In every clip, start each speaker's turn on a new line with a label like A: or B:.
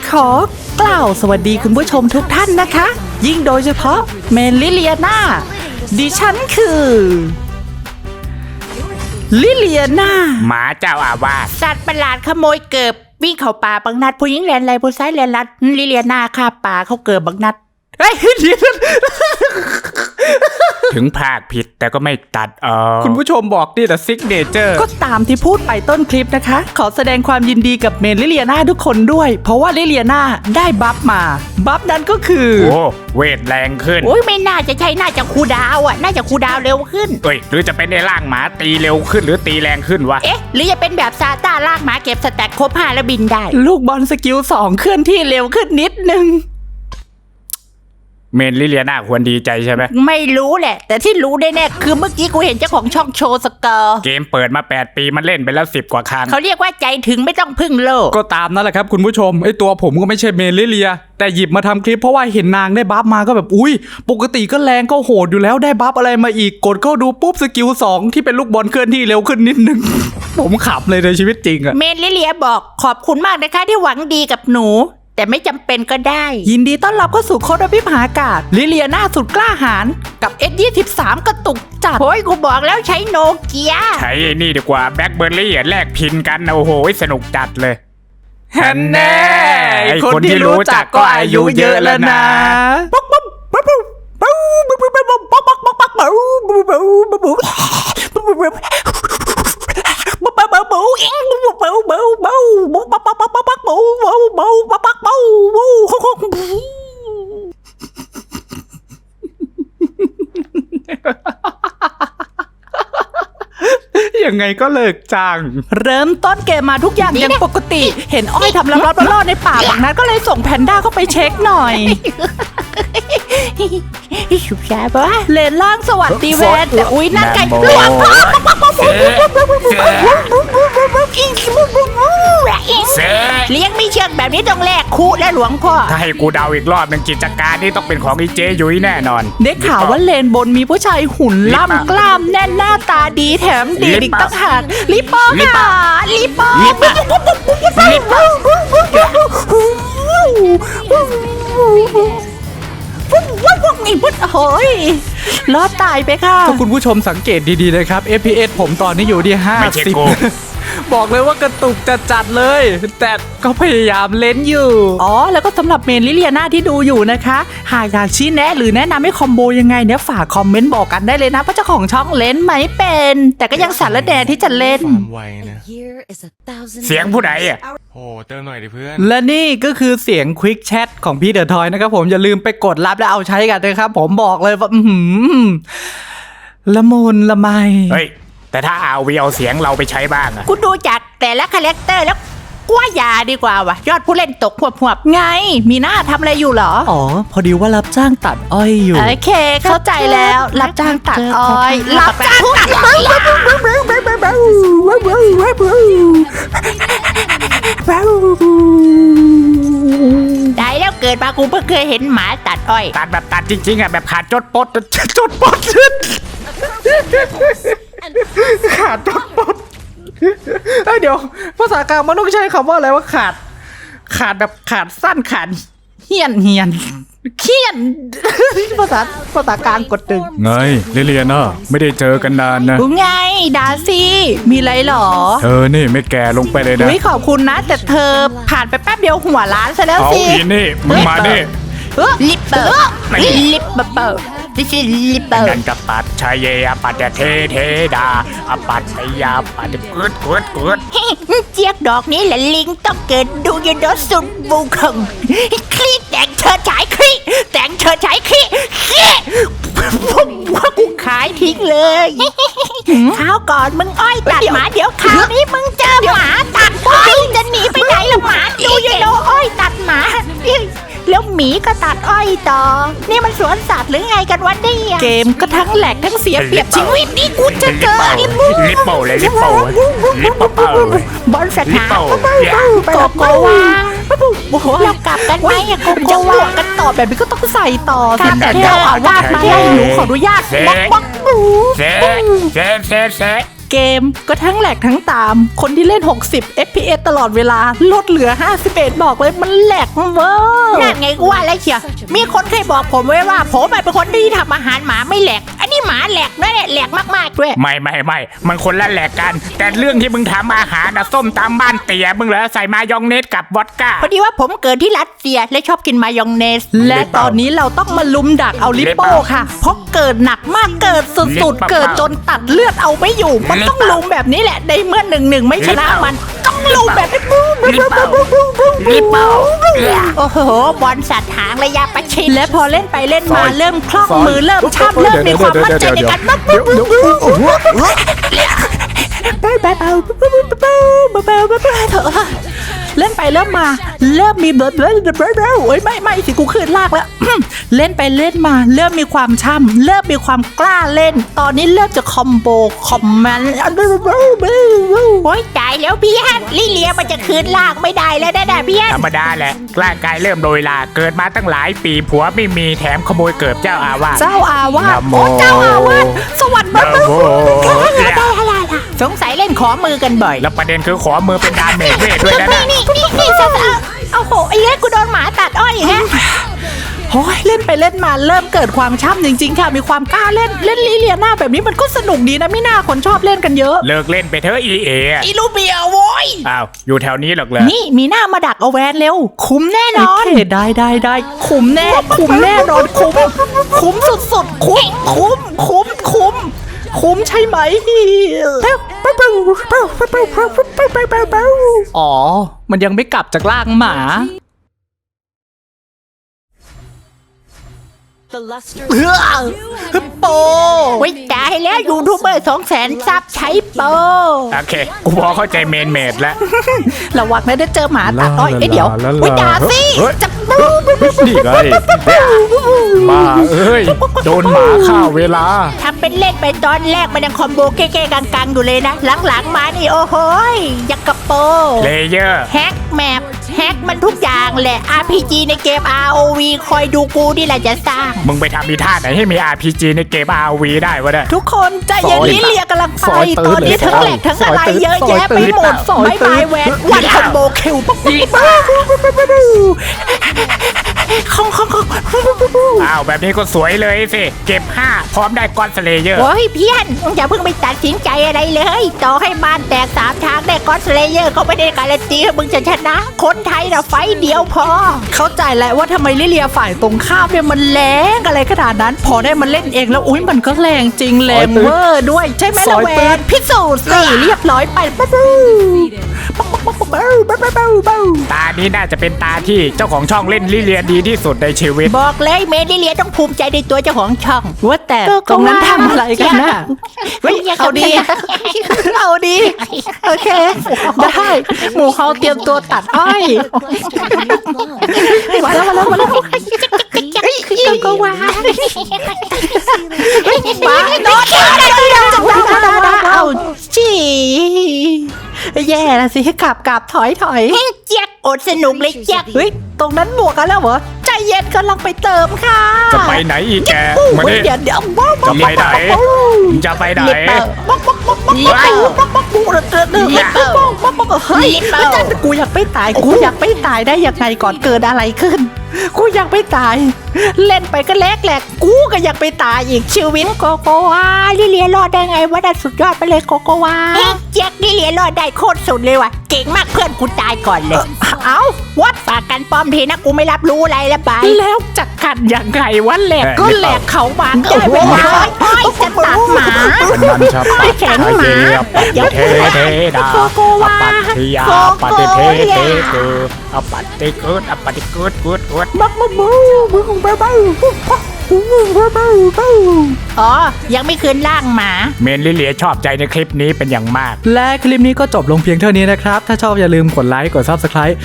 A: ขอกล่าวสวัสดีคุณผู้ชมทุกท่านนะคะ ยิ่งโดยเฉพาะเมลิเลียนาดิฉันคือลิเลียนา
B: หมาเจ้าอาวาส
C: สัตว์ประหลาดขโมยเกิบวิ่งเข้าป่าบังนัดผู้หญิงแลนไรผู้ชายแลนลัดลิเลียนาคาป่าเขาเกิบบังนัด
A: เฮ้ยเดี๋ยว
B: ถึงภาคผิดแต่ก็ไม่ตัด
A: คุณผู้ชมบอกนี่แต่ซิกเนเจอร์ก็ตามที่พูดไปต้นคลิปนะคะขอแสดงความยินดีกับเมลิเลียนาทุกคนด้วยเพราะว่าลิเลียนาได้บัฟมาบัฟนั้นก็คือ
B: โอ้เวทแรงขึ้น
C: โอ้ยไม่น่าจะใช่น่าจะคูลดาวน์อ่ะน่าจะคูลดาวน์เร็วขึ้น
B: เอ้ยหรือจะเป็นในร่างหมาตีเร็วขึ้นหรือตีแรงขึ้นวะ
C: เอ๊ะหรือจะเป็นแบบซาต้าลากหมาเก็บสแต็กครบ5แล้วบินได้
A: ลูกบอลสกิล2เคลื่อนที่เร็วขึ้นนิดนึง
B: เมนลิเลียนาควรดีใจใช่ไหม
C: ไม่รู้แหละ แต่ที่รู้แน่ๆคือเมื่อกี้กูเห็นเจ้าของช่องโชว์สกอร์
B: เกมเปิดมา8 ปีมันเล่นไปแล้ว10 กว่าครั้ง
C: เขาเรียกว่าใจถึงไม่ต้องพึ่งโลก
A: ก็ตามนั่นแหละครับคุณผู้ชมไอตัวผมก็ไม่ใช่เมลิเลียแต่หยิบมาทำคลิปเพราะว่าเห็นนางได้บัฟมาก็แบบอุ้ยปกติก็แรงก็โหดอยู่แล้วได้บัฟอะไรมาอีกกดเข้าดูปุ๊บสกิล2ที่เป็นลูกบอลเคลื่อนที่เร็วขึ้นนิดนึง ผมขับเลยในชีวิตจริงอะ
C: เมนลิเลียบอกขอบคุณมากนะคะที่หวังดีกับหนู แต่ไม่จำเป็นก็ได้
A: ยินดีต้อนรับเข้าสู่โคดอภิมหากาศลิเลียนาสุดกล้าหาญกับ S23 กระตุกจัด
C: โอ้ยกูบอกแล้วใช้โนเกีย
B: ใช้ไอ้นี่ดีกว่าแบล็คเบอร์รี่แลกพินกันโอ้โหสนุกจัดเลย
A: ฮันแน่คนที่รู้จักก็อายุเยอะแล้วนะยังไงก็เลิกจ้างเริ่มต้นเกมมาทุกอย่างยังปกติ เห็นอ้อยทำลับๆล่อๆในป่าแบบนั้นก็เลยส่งแพนด้าเข้าไปเช็คหน่อย
C: ฉุบชาปะ
A: เลนล่างสวัสดีแวนแต่อุ้ยนั่นไก่
B: โอ้เซ่
C: เลี้ยงไม่เชือกแบบนี้ต้องแลกคุและหลวงพ่อ
B: ถ้าให้กูเดาอีกรอบหนึ่งกิจการนี่ต้องเป็นของอีเจยุ้ยแน่นอน
A: ได้ข่าวว่าเลนบนมีผู้ชายหุ่นล่ำกล้ามแน่นหน้าตาดีแถมดีอีกตั้งหากลิปโป้ค่ะลิปโป้
B: ลิปโป้ ลิปโป้
A: ไอ้พุทธโหยรอดตายไปค่ะถ้าคุณผู้ชมสังเกตดีๆนะครับ FPS ผมตอนนี้อยู่ที่
B: ไม่ใช่กู
A: 50 บอกเลยว่ากระตุกจัดๆเลย แต่ก็พยายามเล่นอยู่ อ๋อ แล้วก็สำหรับเมนลิเลียนาที่ดูอยู่นะคะ หากอยากชี้แนะหรือแนะนำให้คอมโบยังไงเนี่ยฝากคอมเมนต์บอกกันได้เลยนะเพราะเจ้าของช่องเล่นไม่เป็น แต่ก็ยังสารแดที่จะเล่น
D: ความไวนะ
B: เสียงผู้ใดอ่ะ
D: โอ้เติมหน่อยดิเพื่อน
A: และนี่ก็คือเสียงควิกแชทของพี่เดอะทอยนะครับผมอย่าลืมไปกดรับและเอาใช้กันนะครับผมบอกเลยว่าละมุนละไม
B: เฮ้ยแต่ถ้าเอาวีเอาเสียงเราไปใช้บ้างอะ
C: กูดูจากแต่ละคาแรคเตอร์แล้วกว่าอย่าดีกว่าว่ะยอดผู้เล่นตกหวบ
A: ไง มีหน้าทำอะไรอยู่เหรอ อ๋อ พอดีว่ารับจ้างตัดอ้อยอยู่ โอเค เข้าใจแล้ว รับจ้างตัดอ้อย รับจ้างตัดอ้อย
C: ได้แล้วเกิดมากูเพิ่งเคยเห็นหมาตัดอ้อย
B: ตัดแบบตัดจริงๆอ่ะแบบขาดจดปดจดปด
A: ขาดจดปดเดี๋ยว ภาษากลางมันต้องใช้คำว่าอะไรว่าขาดแบบขาดสั้นขาดเฮี้ยนเขี้ยน ภาษากลางกดดึง
B: ไงลิเลียนาไม่ได้เจอกันนานนะ
A: ไงดาซี่มีอะไรหรอ
B: เธอนี่ไม่แก่ลงไปเลยนะ
A: อุ้ยขอบคุณนะ แต่เธอผ่านไปแป๊บเดียวหัวล้านซะแล้ว
B: เอา
A: สิ
B: อีนี่มึงมาดิ
C: ลิปเปอร์ลิปเปอร์ที่ชื่อลิปเปอร์
B: นันกปัดชายเยอปัดเทดาอปัดชยาปัดเกิด
C: เจี๊ยกดอกนี้แหละลิงต้องเกิดดูยนดสุดบุคงคลีแต่งเชิดฉายคลีแต่งเชิดฉายคลีว่ากูขายทิ้งเลยคราวก่อนมึงอ้อยตัดหมาเดี๋ยวคราวนี้มึงเจอหมาตัดอ้อยจะหนีไปไหนล่ะหมาดูยนดอ้อยตัดหมาแล้วหมีก็ตัดอ้อยต่อนี่มันสวนสัตว์หรือไงกันวะเนี่ย
A: เกมก็ทั้งแหลกทั้งเสียเปรียบชีวิต
C: นี่กูจะเจอไอ้บู
B: ลิปโป้เลยลิปโป้
C: บอลสถาน
A: โกโกวา
C: เรากลับกันไหมอะกู
A: จะ
C: จะ
A: ว่า
C: ว่า
A: กันต่อแบบนี้ก็ต้องใส่ต่อสิ
C: แต่
A: แต่
C: เจ้า
A: เจ้าอาวาสมาให้หนูขออนุญาตบล็อก
B: เซ่
A: เกมก็ทั้งแหลกทั้งตามคนที่เล่น 60 FPS ตลอดเวลาลดเหลือ 51 บอกเลยมันแหลกเวอร์
C: นั่นไงกูว่าแล้วเชียวมีคนเคยบอกผมไว้ว่าผมเป็นคนที่ทำอาหารหมาไม่แหลกอันนี้หมาแหลกนั่นแหละแหลกมากๆด้วย
B: ไม่มันคนละแหลกกัน แต่เรื่องที่มึงทำอาหารนะส้มตามบ้านเตี๋ยมึงเหรอใส่มายองเนสกับวอดก้า
C: พอดีว่าผมเกิดที่รัสเซียและชอบกินมายองเนส
A: และตอนนี้เราต้องมาลุมดักเอาลิปโป้ค่ะ เพราะเกิดหนักมากเกิดสุดๆ เกิดจนตัดเลือดเอาไม่อยู่ มันต้องลุมแบบนี้แหละในเมื่อ1-1ไม่ชนะมันต้องลุมแบบนี้
B: ลิปเปา
C: โอ้โหบอลสัตว์หางระยะประชิด
A: และพอเล่นไปเล่นมาเริ่มคล่องมือเริ่มช่ำเริ่มมีความมั่นใจในการเล่นไปเริ่มมาเริ่มมีโอ้ยไม่สิกูขึ้นลากแล้ว เล่นไปเล่นมาเริ่มมีความช่ำเริ่มมีความกล้าเล่น ตอนนี้เริ่มจะคอมโบคอมแมน
C: โอ้ยตายแล้วพี่ฮันลิเลียมันจะคืนลากไม่ได้แล้วนะพี่ฮัน
B: ธรรมดาแหละร่างกายเริ่มโดยลาเกิดมาตั้งหลายปีผัวไม่มีแถมขโมยเกิบเจ้าอาวาส
A: เจ้าอาวาส
B: นะโม
A: โอ้เจ้าอาวาสสวัสดี
B: นะโม
C: สงสัยเล่นขอมือกันบ่อย
B: แล้วประเด็นคือขอมือเป็นดาเมจเวทด้วยนะ
C: นี่เอาโหไอ้เนี้ยกูโดนหมาตัดอ้อยอีกฮะ
A: โอ้ยเล่นไปเล่นมาเริ่มเกิดความช่ำจริงๆค่ะมีความกล้าเล่นลิเลียนาแบบนี้มันก็สนุกดีนะไม่น่าคนชอบเล่นกันเยอะ
B: เลิกเล่นไปเถอะอีเอ
C: อีลูเบียโว้ย
B: อ้าวอยู่แถวนี้หรอกเหรอ
A: นี่มีหน้ามาดักเอาแวนเร็ว คุ้มแน่นอนได้คุ้มแน่นอนคุ้มสุดๆคุ้มใช่ไหมอ๋อมันยังไม่กลับจากล่างหมา โป
C: โอ้ยตายแล้วยูทูบเบอร์200,000 ซับใช้โปร
B: โอเคกูพอเข้าใจเมนเมดแล้ว
A: ระวังนะได้เจอหมาตัดอ้อยเดี๋ยว
C: โอ้ยด่าสิ
B: เฮ้ย
C: จะ
B: นี่ไงมาเอ้ยโดนหมาฆ่าเวลา
C: ทำเป็นเล่นไปตอนแรกมันยังคอมโบเก้ๆกังๆอยู่เลยนะ หลังๆมานี่โอ้โหยยักกระโป
B: เลเยอร์
C: แฮกแมปแฮกมันทุกอย่างแหละ RPG ในเกม ROV คอยดูกูนี่แหละจะสร้าง
B: มึงไปทำอีท่าไหนให้มี RPG ในเกม RV ได้วะเนี่ย
A: ทุกคนใจเย็นลิเลียกำลังไป
B: ซอยตื้
A: ต
B: น
A: อนนี้
B: เลย
A: ทั้งแหลกทั้งอะไรเยอะแยะไปหมด
B: ซอย
A: บาย
B: ตื้น
A: บายแวนวันคอมโบคิวปุ๊บของ
B: อ้าวแบบนี้ก็สวยเลยสิ เก็บ 5 พร้อมได้ก้อนสเลเยอร์
C: โอ้ยเพี้ยนมึงอย่าเพิ่งไปตัดสินใจอะไรเลย ต่อให้บ้านแตก3 ทางได้ก็อดสเลเยอร์เขาไม่ได้การันตีว่ามึงจะชนะ คนไทยนะไฟต์เดียวพอ
A: เข้าใจแล้วว่าทำไมลิเลียฝ่ายตรงข้ามเนี่ยมันแรงอะไรขนาดนั้น พอได้มันเล่นเองแล้วอุ้ยมันก็แรงจริงแรงเวอร์ด้วยใช่ไหมละแวนพิสูจน์สิเรียบร้อยไป
B: ตานี้น่าจะเป็นตาที่เจ้าของช่องเล่นลิเลียดีที่สุดในชีวิต
C: บอกเลยเมดิเลียต้องภูมิใจในตัวเจ้าของช่อง
A: ว่าแต่ตรงนั้นทำอะไรกันน่ะ เอาดี เอาดี โอเค ได้หมูเขาเตรียมตัวตัดอ้อยมาแล้วก็ว่าโดนเอาจีแย่ละสิกลับถอย
C: เจ๊กอดสนุกเลยเจ๊ก
A: เฮ้ยตรงนั้นบวกกันแล้วเหรอใจเย็นกำลังไปเติมค่ะ
B: จะไปไหนอีกแกมาดิ
A: เดี๋ยว
B: จะไปไหนจะไปไหน
A: เฮ้ยกูอยากไม่ตายได้ยังไงก่อนเกิดอะไรขึ้น กูอยากไม่ตาย เล่นไปก็แหลกกูก็อยากไปตายอีกชีวิต
C: โกโกวาลิเลียรอดได้ไงวะนั่นสุดยอดไปเลยโกโกวาเจ๊กลิเลียรอดได้โคตรสุดเลยว่ะเก่งมากเพื่อนกูตายก่อนเลย
A: เอ้า
C: วัดฝากกันป้อมทีนะกูไม่รับรู้อะไรละบาย
A: แล้วจักกันยังไงวะแหลกก็แหลกเขาบานได้เวลา
C: อ้อยจะตัดหมา
B: มันชับปะ
C: แข็งหมา
B: เทเทดาอปัตติยาปฏิเทเทเกอปัตติกุดอปัตติกุดกุด
C: อ๋อยังไม่คืนร่างหมา
B: เมนลิเลียชอบใจในคลิปนี้เป็นอย่างมาก
A: และคลิปนี้ก็จบลงเพียงเท่านี้นะครับ ถ้าชอบอย่าลืมกดไลค์กด Subscribe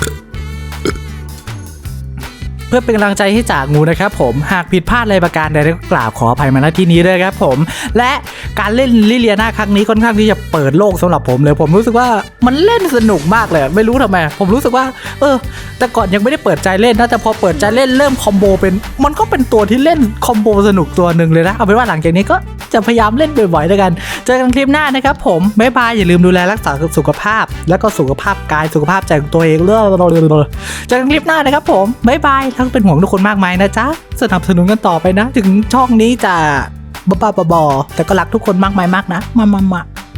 A: เพื่อเป็นกำลังใจให้จากงูนะครับผมหากผิดพลาดอะไรประการใดก็กราบขออภัยมาณที่นี้ด้วยครับผมและการเล่นลิเลียนาครั้งนี้ค่อนข้างที่จะเปิดโลกสำหรับผมเลยผมรู้สึกว่ามันเล่นสนุกมากเลยไม่รู้ทำไมผมรู้สึกว่าแต่ก่อนยังไม่ได้เปิดใจเล่นนะแต่พอเปิดใจเล่นเริ่มคอมโบเป็นมันก็เป็นตัวที่เล่นคอมโบสนุกตัวหนึ่งเลยนะเอาเป็นว่าหลังจากนี้ก็จะพยายามเล่นบ่อยๆแล้วกันเจอกันคลิปหน้านะครับผมบ๊ายบายอย่าลืมดูแลรักษาสุขภาพแล้วก็สุขภาพกายสุขภาพใจของตัวเองเจอกันคลิปหน้านะครับผมบ๊ายบายทั้งเป็นห่วงทุกคนมากมายนะจ๊ะสนับสนุนกันต่อไปนะถึงช่องนี้จะบ้าๆบอๆแต่ก็รักทุกคนมากมายมากนะมา